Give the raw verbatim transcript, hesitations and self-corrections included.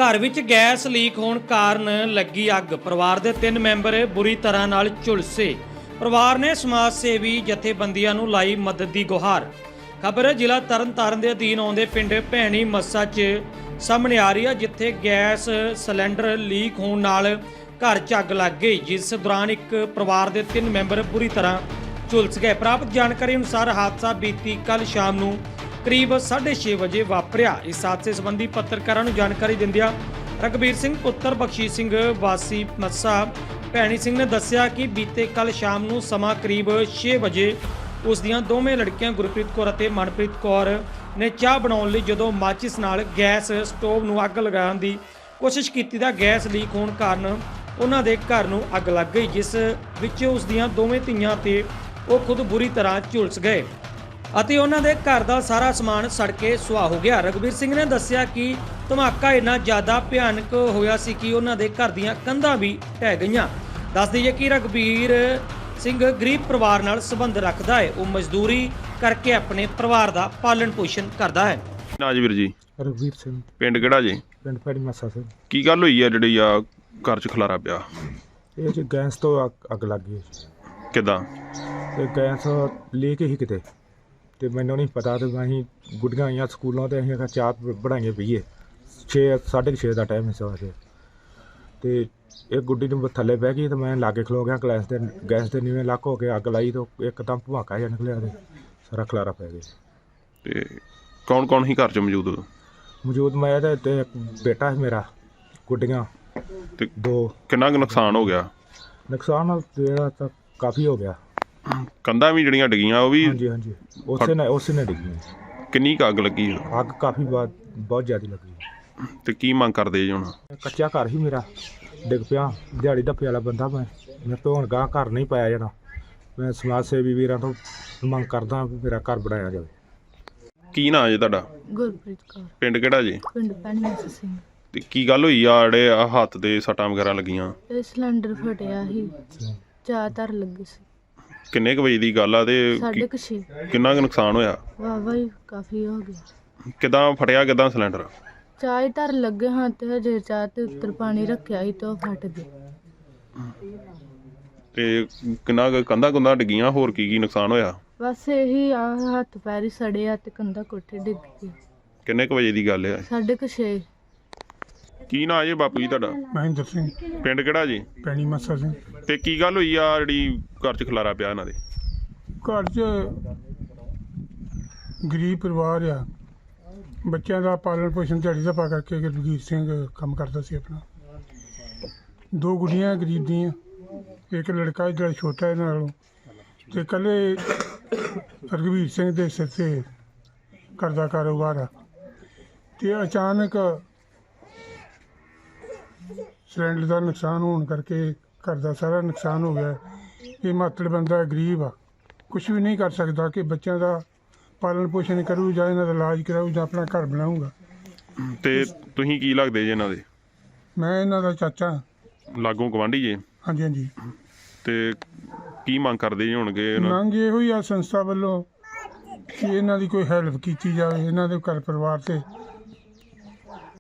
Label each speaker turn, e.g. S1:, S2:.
S1: घर which gas leak होने कारण लगी अग। परिवार के तीन मैंबर बुरी तरह नाल झुलसे। परिवार ने समाज सेवी जथेबंदियां नूं लाई मदद की गुहार। खबर जिला तरन तारण के अधीन आउंदे पिंड भैणी मस्सा च सामने आ रही है, जिथे गैस सिलेंडर लीक होने नाल घर च अग लग गई, जिस दौरान एक परिवार के तीन मैंबर बुरी तरह झुलस गए। प्राप्त जानकारी अनुसार हादसा बीती कल शाम नूं करीब साढ़े छे बजे वापरिया। इस हादसे संबंधी पत्रकारों को जानकारी दिंदियां रघबीर सिंह पुत्र बख्शीश सिंह वासी मस्सा भैणी सिंह ने दस्सिया कि बीते कल शाम नूं समा करीब छे बजे उस दियां दोवें लड़कियां गुरप्रीत कौर अते मनप्रीत कौर ने चाह बनाउण लई जदों माचिस नाल गैस स्टोव नूं अग लगाउण दी कोशिश कीती तां गैस लीक होण कारण उन्हां दे घर नूं अग लग गई, जिस विच उस दियां दोवें धीआं ते ਉਹ खुद बुरी तरह ਝੁਲਸ गए ਅਤੇ ਉਹਨਾਂ ਦੇ ਘਰ ਦਾ ਸਾਰਾ ਸਮਾਨ ਸੜ ਕੇ ਸੁਆਹ ਹੋ ਗਿਆ। ਰਘਬੀਰ ਸਿੰਘ ਨੇ ਦੱਸਿਆ ਕਿ ਧਮਾਕਾ ਇੰਨਾ ਜ਼ਿਆਦਾ ਭਿਆਨਕ ਹੋਇਆ ਸੀ ਕਿ ਉਹਨਾਂ ਦੇ ਘਰ ਦੀਆਂ ਕੰਧਾਂ ਵੀ ਢਹਿ ਗਈਆਂ। ਦੱਸ ਦਈਏ ਕਿ ਰਘਬੀਰ ਸਿੰਘ ਗਰੀਬ ਪਰਿਵਾਰ ਨਾਲ ਸੰਬੰਧ ਰੱਖਦਾ ਹੈ। ਉਹ ਮਜ਼ਦੂਰੀ ਕਰਕੇ ਆਪਣੇ ਪਰਿਵਾਰ ਦਾ ਪਾਲਣ ਪੋਸ਼ਣ ਕਰਦਾ ਹੈ।
S2: ਨਾ ਜੀ ਵੀਰ ਜੀ।
S3: ਰਘਬੀਰ ਸਿੰਘ।
S2: ਪਿੰਡ ਕਿਹੜਾ ਜੀ?
S3: ਪਿੰਡ ਭੈਣੀ ਮੱਸਾ ਸਿੰਘ।
S2: ਕੀ ਗੱਲ ਹੋਈ ਆ ਜਿਹੜੀ ਆ ਘਰ 'ਚ ਖਲਾਰਾ ਪਿਆ?
S3: ਇਹ ਜੀ ਗੈਸ ਤੋਂ ਅੱਗ- ਅੱਗ ਲੱਗ ਗਈ।
S2: ਕਿੱਦਾਂ?
S3: ਤੇ ਗੈਸ ਲੈ ਕੇ ਹੀ ਕਿਤੇ ਤੇ ਮੈਨੂੰ ਨਹੀਂ ਪਤਾ ਤੇ ਅਸੀਂ ਗੁੱਡੀਆਂ ਆਈਆਂ ਸਕੂਲੋਂ ਤੇ ਅਸੀਂ ਚਾਹ ਬਣਾਈਏ ਪੀਏ। ਛੇ ਸਾਢੇ ਛੇ ਦਾ ਟਾਈਮ ਸੀ ਵੈਸੇ ਤੇ ਇੱਕ ਗੁੱਡੀ ਨੂੰ ਥੱਲੇ ਬਹਿ ਗਈ ਤੇ ਮੈਂ ਲਾਗੇ ਖਲੋ ਗਿਆ। ਗੈਸ ਦੇ ਗੈਸ ਦੇ ਨੀਵੇਂ ਲੱਕ ਹੋ ਕੇ ਅੱਗ ਲਾਈ ਤੇ ਇੱਕਦਮ ਭਵਾਕਾ ਜਿਹਾ ਨਿਕਲਿਆ ਤੇ ਸਾਰਾ ਖਲਾਰਾ ਪੈ ਗਿਆ।
S2: ਤੇ ਕੌਣ ਕੌਣ ਹੀ ਘਰ 'ਚ ਮੌਜੂਦ ਉਦੋਂ?
S3: ਮੌਜੂਦ ਮੈਂ ਤੇ ਤੇ ਇੱਕ ਬੇਟਾ ਸੀ ਮੇਰਾ, ਗੁੱਡੀਆਂ
S2: ਤੇ
S3: ਦੋ।
S2: ਕਿੰਨਾ ਕੁ ਨੁਕਸਾਨ ਹੋ ਗਿਆ?
S3: ਨੁਕਸਾਨ ਜਿਹੜਾ ਤਾਂ ਕਾਫੀ ਹੋ ਗਿਆ।
S2: ਕੰਧਾਂ ਵੀ ਜਿਹੜੀਆਂ ਡਿੱਗੀਆਂ ਉਹ ਵੀ?
S3: ਹਾਂਜੀ ਹਾਂਜੀ ਉਸੇ ਨੇ ਉਸੇ ਨੇ ਡਿੱਗੀ।
S2: ਕਿੰਨੀ ਕੁ ਅੱਗ ਲੱਗੀ?
S3: ਅੱਗ ਕਾਫੀ ਬਾਤ ਬਹੁਤ ਜ਼ਿਆਦਾ ਲੱਗੀ।
S2: ਤੇ ਕੀ ਮੰਗ ਕਰਦੇ ਜੀ ਹੁਣ?
S3: ਕੱਚਾ ਘਰ ਹੀ ਮੇਰਾ ਡਿੱਗ ਪਿਆ। ਦਿਹਾੜੀ ਧੱਪੇ ਵਾਲਾ ਬੰਦਾ ਮੈਂ ਮੇਰੇ ਤੋਂ ਹੁਣ ਗਾਂ ਘਰ ਨਹੀਂ ਪਾਇਆ ਜਾਣਾ। ਮੈਂ ਸਮਾਜ ਸੇਵੀ ਵੀਰਾਂ ਤੋਂ ਮੰਗ ਕਰਦਾ ਵੀ ਮੇਰਾ ਘਰ ਬਣਾਇਆ ਜਾਵੇ।
S2: ਕੀ ਨਾਂ ਜੀ ਤੁਹਾਡਾ?
S4: ਗੁਰਪ੍ਰੀਤ ਕੌਰ।
S2: ਪਿੰਡ ਕਿਹੜਾ ਜੀ?
S4: ਪਿੰਡ ਭੈਣੀ ਮੱਸਾ ਸਿੰਘ।
S2: ਤੇ ਕੀ ਗੱਲ ਹੋਈ ਆ ਜਿਹੜੇ ਆ ਹੱਥ ਦੇ ਸੱਟਾਂ ਵਗੈਰਾ ਲੱਗੀਆਂ?
S4: ਇਹ ਸਿਲੰਡਰ ਫਟਿਆ ਸੀ, ਚਾਹ ਧਰ ਲੱਗੀ ਸੀ।
S2: ਕਿੰਨੇ ਕੁ ਵਜੇ ਦੀ ਗੱਲ ਆ ਤੇ
S4: ਸਾਢੇ
S2: ਕੀ-
S4: ਕੁ ਛੇ।
S2: ਕਿੰਨਾ ਕੁ ਨੁਕਸਾਨ ਹੋਇਆ?
S4: ਵਾਹਵਾ ਹੀ ਕਾਫੀ ਹੋ ਗਿਆ।
S2: ਕਿੱਦਾਂ ਫਟਿਆ? ਕਿੱਦਾਂ ਸਿਲੰਡਰ?
S4: ਚਾਹ ਹੀ ਧਰ ਲੱਗੇ ਹਾਂ ਤੇ ਹਜੇ ਚਾਹ ਤੇ ਉੱਤਰ ਪਾਣੀ ਰੱਖਿਆ ਸੀ ਤੇ ਉਹ ਫਟ ਗਈ।
S2: ਤੇ ਕਿੰਨਾ ਕੁ ਕੰਧਾਂ ਕੁੰਧਾਂ ਡਿੱਗੀਆਂ? ਹੋਰ ਕੀ ਕੀ ਨੁਕਸਾਨ ਹੋਇਆ?
S4: ਬਸ ਇਹੀ ਆ, ਹੱਥ ਪੈਰ ਹੀ ਸੜੇ ਆ ਤੇ ਕੰਧਾ ਕੋਠੇ ਡਿੱਗ ਗਈ।
S2: ਕਿੰਨੇ ਕੁ ਵਜੇ ਦੀ ਗੱਲ ਆ?
S4: ਸਾਢੇ ਕੁ ਛੇ।
S2: ਕੀ ਨਾਂ ਜੀ ਬਾਪੂ ਜੀ ਤੁਹਾਡਾ?
S3: ਮਹਿੰਦਰ ਸਿੰਘ।
S2: ਪਿੰਡ ਕਿਹੜਾ ਜੀ?
S3: ਭੈਣੀ ਮੱਸਾ ਸਿੰਘ।
S2: ਤੇ ਕੀ ਗੱਲ ਹੋਈ ਆ ਜਿਹੜੀ ਘਰ 'ਚ ਖਲਾਰਾ ਪਿਆ ਇਹਨਾਂ ਦੇ?
S5: ਘਰ 'ਚ ਗਰੀਬ ਪਰਿਵਾਰ ਆ, ਬੱਚਿਆਂ ਦਾ ਪਾਲਣ ਪੋਸ਼ਣ ਦਿਹਾੜੀ ਦਾ ਪਾ ਕਰਕੇ ਰਘਬੀਰ ਸਿੰਘ ਕੰਮ ਕਰਦਾ ਸੀ ਆਪਣਾ। ਦੋ ਗੁੱਡੀਆਂ ਗਰੀਬ ਦੀਆਂ, ਇੱਕ ਲੜਕਾ ਜਿਹੜਾ ਛੋਟਾ ਇਹਨਾਂ ਨਾਲੋਂ, ਤੇ ਇਕੱਲੇ ਰਘਬੀਰ ਸਿੰਘ ਦੇ ਸਿਰ 'ਤੇ ਘਰ ਦਾ ਕਾਰੋਬਾਰ ਆ। ਤੇ ਅਚਾਨਕ ਸਿਲੰਡਰ ਦਾ ਨੁਕਸਾਨ ਹੋਣ ਕਰਕੇ ਘਰ ਦਾ ਸਾਰਾ ਨੁਕਸਾਨ ਹੋ ਗਿਆ। ਇਹ ਮਾਤੜ ਬੰਦਾ ਗਰੀਬ ਆ, ਕੁਛ ਵੀ ਨਹੀਂ ਕਰ ਸਕਦਾ ਕਿ ਬੱਚਿਆਂ ਦਾ ਪਾਲਣ ਪੋਸ਼ਣ ਕਰੂ ਜਾਂ ਇਹਨਾਂ ਦਾ ਇਲਾਜ ਕਰਾਊ ਜਾਂ ਆਪਣਾ ਘਰ ਬਣਾਊਗਾ।
S2: ਤੇ ਤੁਸੀਂ ਕੀ ਲੱਗਦੇ ਜੀ ਇਹਨਾਂ ਦੇ?
S5: ਮੈਂ ਇਹਨਾਂ ਦਾ ਚਾਚਾ।
S2: ਲਾਗੋਂ ਗਵਾਂਢੀ ਜੀ?
S5: ਹਾਂਜੀ ਹਾਂਜੀ।
S2: ਤੇ ਕੀ ਮੰਗ ਕਰਦੇ ਜੀ ਹੋਣਗੇ?
S5: ਮੰਗ ਇਹੋ ਹੀ ਆ ਸੰਸਥਾ ਵੱਲੋਂ ਕਿ ਇਹਨਾਂ ਦੀ ਕੋਈ ਹੈਲਪ ਕੀਤੀ ਜਾਵੇ, ਇਹਨਾਂ ਦੇ ਘਰ ਪਰਿਵਾਰ 'ਤੇ